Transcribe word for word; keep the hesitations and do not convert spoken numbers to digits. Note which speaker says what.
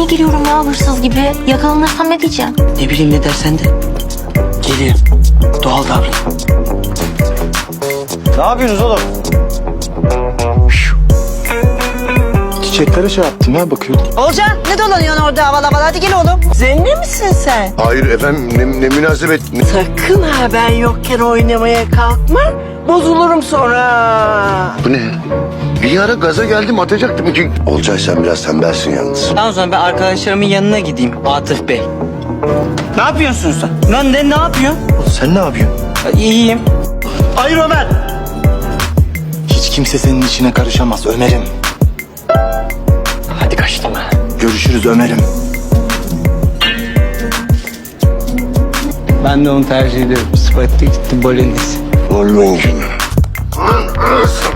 Speaker 1: geliyorum ya hırsız gibi. Yakalanırsam ne diyeceğim?
Speaker 2: Ne bileyim ne dersen de. Geliyor. Doğal davran.
Speaker 3: Ne yapıyorsunuz oğlum?
Speaker 4: Çiçeklere şey yaptım ya, bakıyordum.
Speaker 5: Olcan ne dolanıyorsun orada havalı havalı, hadi gel oğlum.
Speaker 6: Zenne misin sen?
Speaker 7: Hayır efendim, ne, ne münasebet.
Speaker 6: Sakın ha ben yokken oynamaya kalkma. Bozulurum sonra.
Speaker 7: Bu ne? Bir ara gaza geldim, atacaktım ki. Olcay sen biraz tembelsin yalnız.
Speaker 2: Tamam o zaman ben arkadaşlarımın yanına gideyim. Atıf Bey. Ne yapıyorsun sen? Lan ne, ne yapıyorsun?
Speaker 4: Sen ne yapıyorsun?
Speaker 2: Ya, İyiyim.
Speaker 3: Hayır Ömer.
Speaker 4: Hiç kimse senin içine karışamaz Ömer'im.
Speaker 2: Hadi kaçtım ha.
Speaker 4: Görüşürüz Ömer'im.
Speaker 2: Ben de onu tercih ediyorum. Spaghetti gitti bolognese.
Speaker 7: Vallahi.